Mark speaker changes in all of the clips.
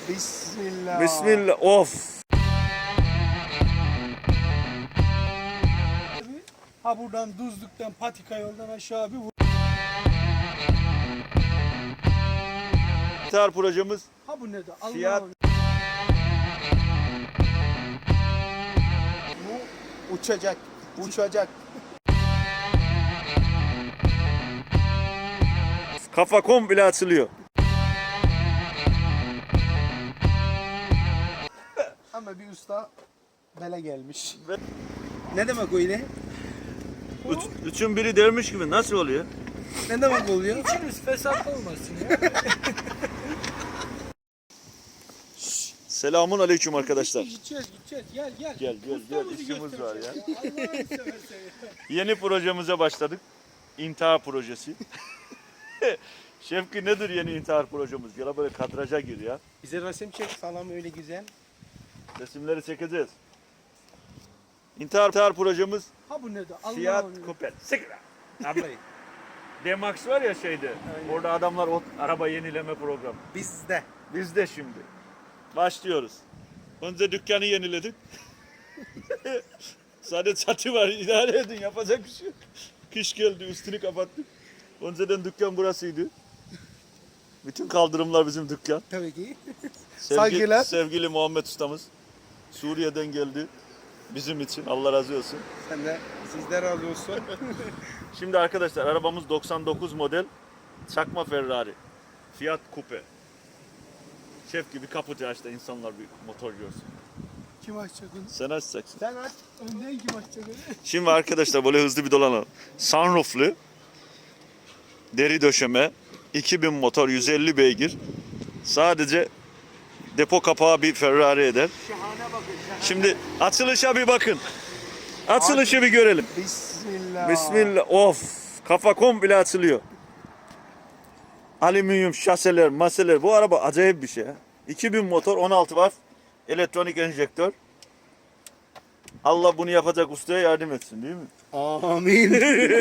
Speaker 1: Bismillah.
Speaker 2: Bismillah. Of.
Speaker 3: Ha buradan Düzlük'ten Patika yoldan aşağı bir
Speaker 2: İntihar projemiz
Speaker 3: ha bu ne de Allah
Speaker 2: Fiyat-
Speaker 1: Bu uçacak. Uçacak.
Speaker 2: kafa komple açılıyor.
Speaker 1: Ama bir usta bele gelmiş.
Speaker 2: Ve-
Speaker 1: Ne demek öyle?
Speaker 2: Üçün biri dermiş gibi nasıl oluyor?
Speaker 1: Ne demek oluyor?
Speaker 3: İçiniz fesat olmasın ya.
Speaker 2: Selamun aleyküm arkadaşlar.
Speaker 3: Gideceğiz. Gel.
Speaker 2: Gel
Speaker 3: Ustamızı
Speaker 2: işimiz var ya.
Speaker 3: göstereceğiz Allah'ını seversen ya.
Speaker 2: Yeni projemize başladık. İntihar projesi. Şevki nedir yeni intihar projemiz? Gel böyle kadraja gir ya.
Speaker 1: Bize resim çek falan öyle güzel.
Speaker 2: Resimleri çekeceğiz. İntihar projemiz
Speaker 3: Ha bu ne de Allah
Speaker 2: Fiat Coupe. Sıkra.
Speaker 1: Ablayı.
Speaker 2: D-Max var ya şeyde. Orada adamlar o araba yenileme programı.
Speaker 1: Bizde.
Speaker 2: Biz de şimdi. Başlıyoruz. Önce dükkanı yeniledik. Sadece çatı var. İdare edin. Yapacak bir şey yok. Kış geldi. Üstünü kapattık. Önceden dükkan burasıydı. Bütün kaldırımlar bizim dükkan.
Speaker 1: Tabii ki.
Speaker 2: Sevgi-
Speaker 1: Saygılar.
Speaker 2: Sevgili Muhammed ustamız. Suriye'den geldi. Bizim için. Allah razı olsun.
Speaker 1: Sen de sizde razı olsun.
Speaker 2: Şimdi arkadaşlar arabamız 99 model çakma Ferrari. Fiat Coupe. Şef gibi kaputu aç da insanlar bir motor görsün.
Speaker 3: Kim açacak onu?
Speaker 2: Sen açacaksın.
Speaker 1: Sen aç.
Speaker 3: Önden kim açacak onu?
Speaker 2: Şimdi arkadaşlar böyle hızlı bir dolanalım. Sunrooflu, deri döşeme, 2000 motor, 150 beygir. Sadece depo kapağı bir Ferrari eder.
Speaker 1: Şahane bakın.
Speaker 2: Şimdi açılışa bir bakın. Açılışı bir görelim.
Speaker 1: Bismillah.
Speaker 2: Bismillah. Of. Kafa komple açılıyor. Alüminyum şaseler, maseler. Bu araba acayip bir şey. 2000 motor, 16 var. Elektronik enjektör. Allah bunu yapacak ustaya yardım etsin değil mi?
Speaker 1: Amin.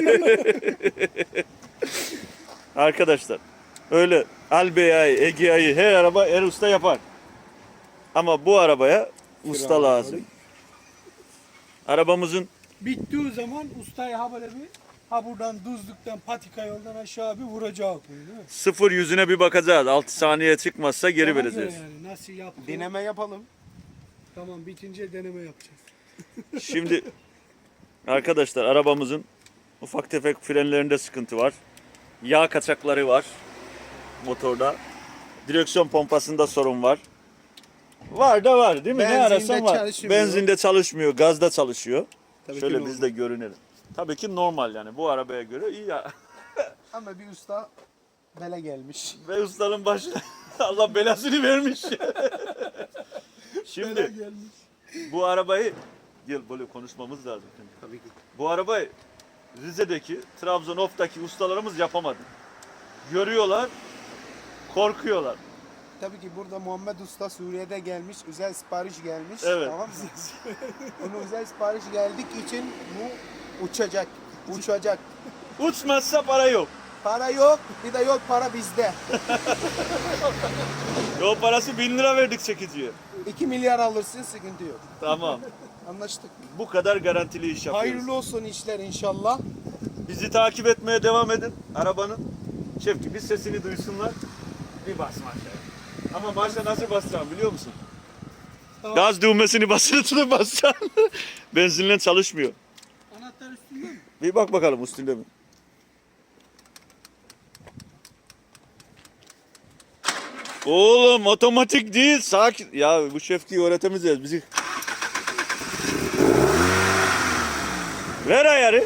Speaker 2: Arkadaşlar öyle Albeya'yı, Egea'yı her araba her usta yapar. Ama bu arabaya usta lazım. Arabamızın
Speaker 3: Bittiği zaman ustaya ha böyle bir ha buradan Düzlük'ten Patika yoldan aşağı bir vuracak bunu değil mi?
Speaker 2: sıfır yüzüne bir bakacağız. 6 saniye çıkmazsa geri
Speaker 3: Ona göre
Speaker 2: vereceğiz.
Speaker 3: Yani nasıl yaptı?
Speaker 1: Deneme yapalım.
Speaker 3: Tamam bitince deneme yapacağız.
Speaker 2: Şimdi arkadaşlar arabamızın ufak tefek frenlerinde sıkıntı var. Yağ kaçakları var motorda. Direksiyon pompasında sorun var. Var da var değil mi? Ne
Speaker 1: Benzinde
Speaker 2: arasan var.
Speaker 1: çalışmıyor.
Speaker 2: Benzinde çalışmıyor, gazda çalışıyor.
Speaker 1: Tabii ki
Speaker 2: Şöyle
Speaker 1: normal.
Speaker 2: biz de görünelim. Tabii ki normal yani bu arabaya göre iyi ya.
Speaker 1: Ama bir usta bele gelmiş.
Speaker 2: Ve ustanın başına Allah belasını vermiş.
Speaker 3: Bela
Speaker 2: Şimdi
Speaker 3: gelmiş.
Speaker 2: bu arabayı gel böyle konuşmamız lazım. Şimdi.
Speaker 1: Tabii ki.
Speaker 2: Bu arabayı Rize'deki, Trabzon Of'taki ustalarımız yapamadı. Görüyorlar, korkuyorlar.
Speaker 1: Tabii ki burada Muhammed Usta Suriye'de gelmiş, özel sipariş gelmiş.
Speaker 2: Evet.
Speaker 1: Tamam mı? Onun özel sipariş geldik için bu uçacak. Uçacak.
Speaker 2: Uçmazsa para yok.
Speaker 1: Para yok, bir de yol para bizde.
Speaker 2: Yol parası 1000 lira verdik çekiciye.
Speaker 1: 2 milyar alırsın, sıkıntı yok.
Speaker 2: Tamam.
Speaker 1: Anlaştık.
Speaker 2: Bu kadar garantili iş yapıyoruz.
Speaker 1: Hayırlı olsun işler inşallah.
Speaker 2: Bizi takip etmeye devam edin. Arabanın şef gibi sesini duysunlar. Bir basma aşağıya. Ama başta nasıl basacağım biliyor musun? Gaz düğmesini basılı tutup basacaksın. Benzinle çalışmıyor.
Speaker 3: Anahtar üstünde mi?
Speaker 2: Bir bak bakalım üstünde mi? Oğlum otomatik değil sakin. Ya bu şefkiyi öğretemeyeceğiz bizi. Ver ayarı.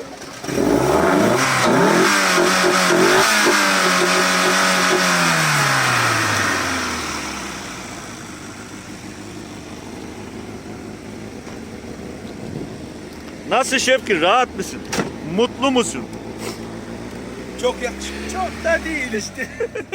Speaker 2: Nasıl Şevki rahat mısın? Mutlu musun?
Speaker 1: Çok yakışıklı.
Speaker 3: Çok da değil işte.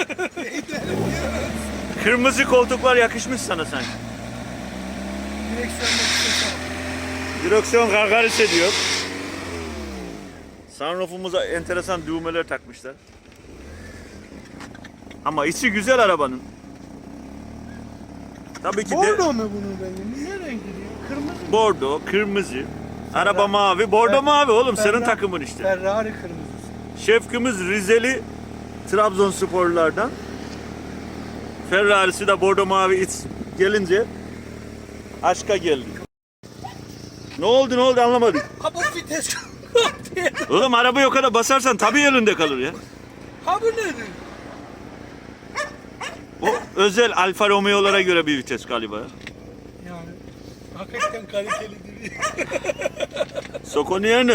Speaker 2: Kırmızı koltuklar yakışmış sana sanki.
Speaker 3: Direksiyonda bir ses al.
Speaker 2: Direksiyon gargaris ediyor. Sunroof'umuza enteresan düğmeler takmışlar. Ama içi güzel arabanın. Tabii ki de
Speaker 3: Bordo mu bunun rengi? Ne rengi diyor? Kırmızı mı?
Speaker 2: bordo, kırmızı. Araba mavi, bordo mavi oğlum senin
Speaker 3: Ferrari-
Speaker 2: takımın işte.
Speaker 3: Ferrari kırmızısı.
Speaker 2: Şefkimiz Rizeli Trabzonsporlulardan. Ferrari'si de bordo mavi gelince aşka geldi. Ne oldu anlamadık.
Speaker 3: Ha bu vites.
Speaker 2: Oğlum arabayı o kadar basarsan tabii elinde kalır ya.
Speaker 3: Ha bu nedir?
Speaker 2: O özel Alfa Romeo'lara göre bir vites galiba.
Speaker 3: Yani hakikaten kalitelidir.
Speaker 2: Sok onu yerine.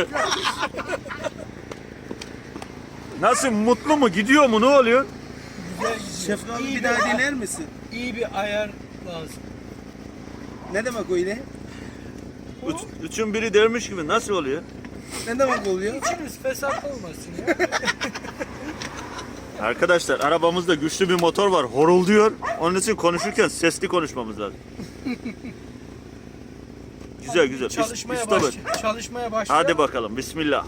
Speaker 2: Nasıl, mutlu mu, gidiyor mu, ne oluyor?
Speaker 3: Güzel gidiyor.
Speaker 1: Şefik abi
Speaker 3: İyi
Speaker 1: bir daha dinler misin?
Speaker 3: İyi bir ayar lazım.
Speaker 1: Ne demek öyle?
Speaker 2: Üçün biri dermiş gibi nasıl oluyor?
Speaker 1: Ne demek oluyor?
Speaker 3: İçiniz fesat olmasın ya.
Speaker 2: Arkadaşlar arabamızda güçlü bir motor var, horulduyor. Onun için konuşurken sesli konuşmamız lazım. Güzel.
Speaker 3: Çalışmaya başlıyor.
Speaker 2: Hadi bakalım, bismillah.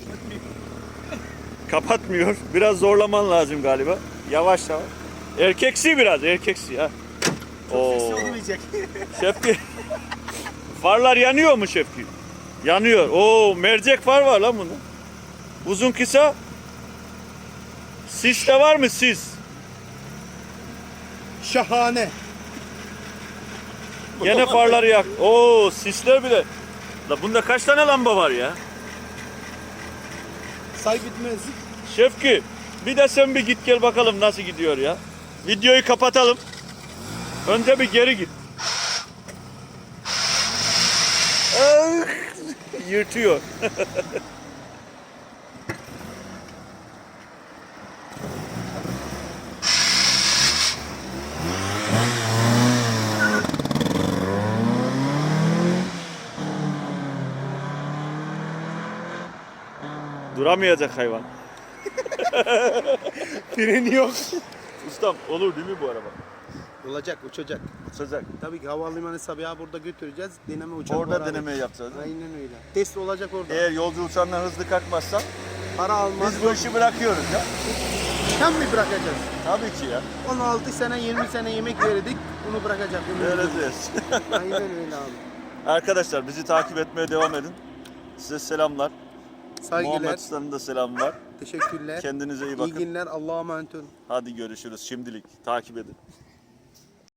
Speaker 2: Kapatmıyor. Biraz zorlaman lazım galiba. Yavaş. Erkeksi biraz, erkeksi ha. Oo.
Speaker 1: Olmayacak.
Speaker 2: Şefki. Farlar yanıyor mu Şefki? Yanıyor. Oo, mercek far var lan bunda. Uzun kısa. Sis de var mı sis?
Speaker 1: Şahane.
Speaker 2: Gene farları yak. Oo, sisler bile. La bunda kaç tane lamba var ya?
Speaker 1: Say bitmez.
Speaker 2: Şefki, bir de sen bir git gel bakalım nasıl gidiyor ya. Videoyu kapatalım. Önce bir geri git. Ah, yırtıyor. Duramayacak hayvan.
Speaker 1: Freni yok.
Speaker 2: Ustam olur değil mi bu araba?
Speaker 1: Olacak, uçacak.
Speaker 2: Uçacak.
Speaker 1: Tabii ki havalimanı Sabiha burada götüreceğiz. Deneme uçak
Speaker 2: Orada
Speaker 1: var abi.
Speaker 2: denemeyi yapacağız.
Speaker 1: Aynen öyle. Test olacak orada.
Speaker 2: Eğer yolcu uçağından hızlı kalkmazsan
Speaker 1: Para almaz.
Speaker 2: biz bu işi bırakıyoruz ya.
Speaker 1: Hem mi bırakacağız?
Speaker 2: Tabii ki ya.
Speaker 1: 16 sene 20 sene yemek verdik. Bunu bırakacak.
Speaker 2: Öyle diyoruz.
Speaker 1: Aynen öyle abi.
Speaker 2: Arkadaşlar bizi takip etmeye devam edin. Size selamlar.
Speaker 1: Saygılar.
Speaker 2: Muhammed Usta'nın da selamlar.
Speaker 1: Teşekkürler.
Speaker 2: Kendinize iyi
Speaker 1: İyi
Speaker 2: bakın.
Speaker 1: günler. Allah'a emanet olun.
Speaker 2: Hadi görüşürüz şimdilik. Takip edin.